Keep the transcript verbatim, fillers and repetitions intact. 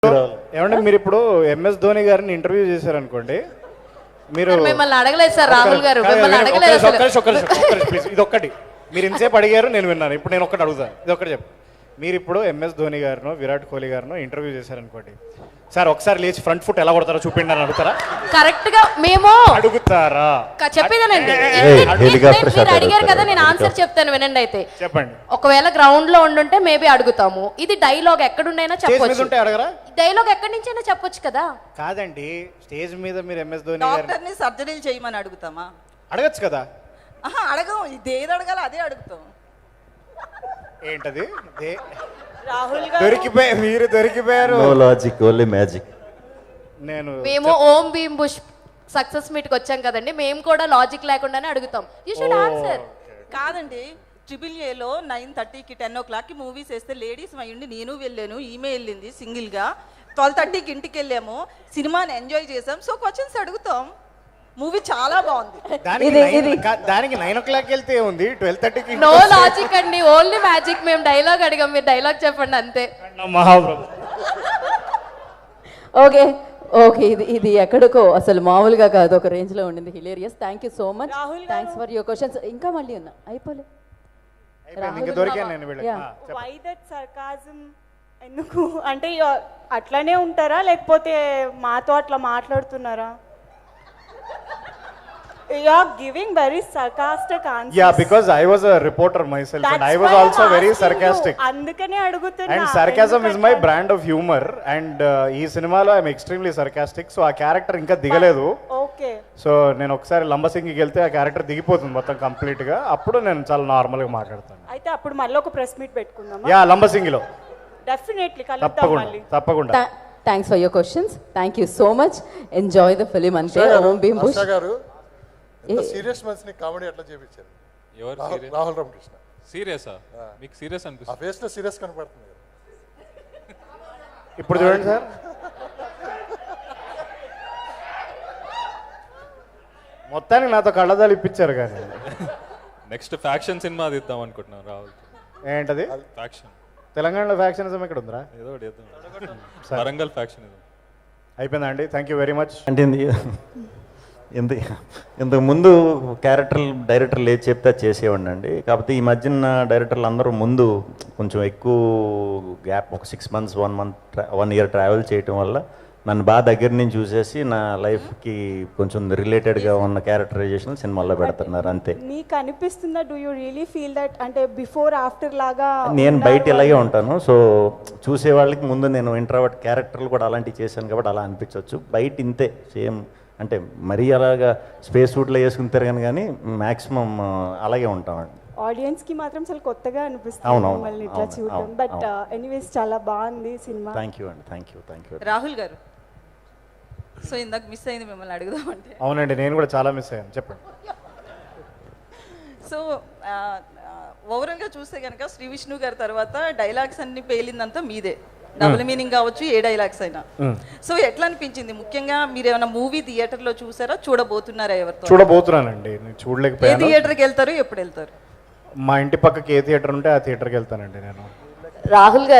ఏమంటే మీరు ఇప్పుడు ఎంఎస్ ధోని గారిని ఇంటర్వ్యూ చేశారనుకోండి, మీరు మిమ్మల్ని అడగలేదు సార్ రాహుల్ గారు, మిమ్మల్ని అడగలేదు అసలు. ఒక్కరి ఒక్కరి ఒక్కరి ప్లీజ్, ఇది ఒక్కటి మీరు ఇంతసేపు అడిగారు, నేను విన్నాను. ఇప్పుడు నేను ఒక్కటి అడుగుతాను, ఇది ఒక్కటి చెప్పు. మీరు ఇప్పుడు ఎంఎస్ ధోని గారినో విరాట్ కోహ్లీ గారినో ఇంటర్వ్యూ చేశారనుకోండి, సార్ ఒకసారి లేచి ఫ్రంట్ ఫుట్ ఎలా కొడతారో చూపిండి అని అడుగుతారా? కరెక్ట్ గా మేము అడుగుతారా? చెప్పేదేనండి, మీరు అడిగారు కదా, నేను ఆన్సర్ చెప్తాను వినండి. అయితే చెప్పండి. ఒకవేళ గ్రౌండ్ లో ఉండుంటే మేబీ అడుగుతాము. ఇది డైలాగ్ ఎక్కడుండైనా చెప్పొచ్చు, అడగరా? డైలాగ్ ఎక్కడి నుంచైనా చెప్పొచ్చు కదా. కాదండి, స్టేజ్ మీద మీరు ఎంఎస్ ధోని డాక్టర్ ని సర్జరీలు చేయమని అడుగుతామా? అడగచ్చు కదా. ఆహా, అడగం. ఇది ఏది అడగాలి అదే అడుగుతాం. ఏంటది? రాహుల్ దొరికిపోయి మీరు దొరికిపోయారు. No logic, only magic. నేను మేము ఓం భీమ్ బుష్ సక్సెస్ మీట్ కి వచ్చాం కదండి, మేము కూడా లాజిక్ లేకుండానే అడుగుతాం. You should answer. కాదండి, ట్రిపుల్ ఏలో నైన్ థర్టీకి టెన్ ఓ క్లాక్కి మూవీస్ వేస్తే లేడీస్ అయ్యుండి నేను వెళ్ళాను, ఈమె వెళ్ళింది సింగిల్గా. ట్వెల్వ్ థర్టీకి ఇంటికి వెళ్ళాము, సినిమాని ఎంజాయ్ చేసాం. సో క్వశ్చన్స్ అడుగుతాం. మూవీ చాలా బాగుంది. దానికి నైన్ ఓ క్లాక్ వెళ్తే ఉంది, ట్వెల్వ్ థర్టీకి నో లాజిక్ అండి, ఓన్లీ మ్యాజిక్. మేము డైలాగ్ అడిగాం, మీరు డైలాగ్ చెప్పండి అంతే. మహాప్రభు. ఓకే ఓకే ఇది ఇది ఎక్కడికో అసలు మామూలుగా కాదు, ఒక రేంజ్ లో ఉండింది. Hilarious. Thank you so much, thanks for your questions. ఇంకా మళ్ళీ ఉన్నా అయిపోలే. Why that sarcasm? ఎందుకు అంటే అట్లానే ఉంటారా లేకపోతే మాతో అట్లా మాట్లాడుతున్నారా? You are giving very sarcastic answers. Yeah, because I was a reporter myself. That's and I was why also I'm very asking sarcastic. you. అందుకనే అడుగుతున్నా. And sarcasm is my brand of humor. And uh, ఈ సినిమాలో I'm extremely sarcastic. So ఆ character ఇంకా దిగలేదు. Okay. So నేను ఒకసారి లంబసింగికి వెళ్తే ఆ క్యారెక్టర్ దిగిపోతుంది మొత్తం కంప్లీట్ గా. అప్పుడు నేను చాలా నార్మల్ గా మాట్లాడతాను. అయితే అప్పుడు మళ్ళీ ఒక ప్రెస్ మీట్ పెట్టుకుందామా? యా, లంబసింగిలో డెఫినెట్లీ కలుద్దాం తప్పకుండా మళ్ళీ. తప్పకుండా. Thanks for your questions. Thank you so much. Enjoy the film. అంతే. ఓం భీమ్ బుష్ గారు సీరియస్ మనిషిని కామెడీ ఎట్లా చేపించారు? ఎవరు సీరియస్? రాహుల్ రామకృష్ణ. సీరియసా? మీకు సీరియస్ ఆ అనిపిస్తుంది? ఫేస్ లో సీరియస్ కనపడుతుంది కదా. ఇప్పుడు చూడండి సార్, మొత్తానికి నాతో కళ్ళదాలు ఇప్పించారు. కానీ నెక్స్ట్ ఫ్యాక్షన్ సినిమా తీద్దాం అనుకుంటున్నాం రాహుల్. ఏంటది? ఫ్యాక్షన్. తెలంగాణలో ఫ్యాక్షనిజం ఎక్కడ ఉందిరా? ఏదో ఒకటి చేద్దాం. వరంగల్ ఫ్యాక్షన్ ఇది అయిపోయిందా అండి? Thank you very much. అంటే ఇంత ఇంతకు ముందు క్యారెక్టర్ డైరెక్టర్లు ఏది చెప్తే అది చేసేవాడిని అండి. కాకపోతే ఈ మధ్యన డైరెక్టర్లు అందరూ ముందు కొంచెం ఎక్కువ గ్యాప్, ఒక six months one month one year travel చేయటం వల్ల నన్ను బాగా దగ్గర నుంచి చూసేసి నా లైఫ్కి కొంచెం రిలేటెడ్గా ఉన్న క్యారెక్టరైజేషన్ సినిమాల్లో పెడుతున్నారు అంతే. మీకు అనిపిస్తుందా? Do you really feel that అంటే బిఫోర్ ఆఫ్టర్ లాగా? నేను బయట ఇలాగే ఉంటాను. సో చూసే వాళ్ళకి ముందు నేను ఇంట్రావర్ట్ క్యారెక్టర్లు కూడా అలాంటివి చేశాను కాబట్టి అలా అనిపించవచ్చు. బయట ఇంతే సేమ్, అంటే మరీ అలాగా స్పేస్ సూట్లో వేసుకుని తిరగను, కానీ మ్యాక్సిమం అలాగే ఉంటామండి. ఆడియన్స్ కి మాత్రం చాలా కొత్తగా అనిపిస్తుంది అవునవును, మిమ్మల్ని ఇట్లా అవును, చూడడం. అవును, బట్ ఎనీవేస్ చాలా బాగుంది సినిమా. థ్యాంక్ యూ అండి, thank you thank you. Rahul garu, so ఇందాక మిస్ అయింది మిమ్మల్ని అడుగుదామంటే. అవునండి, నేను కూడా చాలా మిస్ అయ్యాను. చెప్పండి. సో ఓవరాల్గా చూస్తే కనుక శ్రీ విష్ణు గారి తర్వాత డైలాగ్స్ అన్ని పేలిందంతా మీదే. డబుల్ మీనింగ్ కావచ్చు, ఏ డైలాగ్స్ అయినా. సో ఎట్లా అనిపించింది? ముఖ్యంగా మీరు ఏమైనా మూవీ థియేటర్ లో చూసారా, చూడబోతున్నారా? ఎవరితో చూడబోతున్నానండి, నేను చూడలేకపోయాను. ఏ థియేటర్కి వెళ్తారు, ఎప్పుడు వెళ్తారు? మా ఇంటి పక్కకి ఏ థియేటర్ ఉంటే ఆ థియేటర్కి వెళ్తానండి నేను. రాహుల్ గారు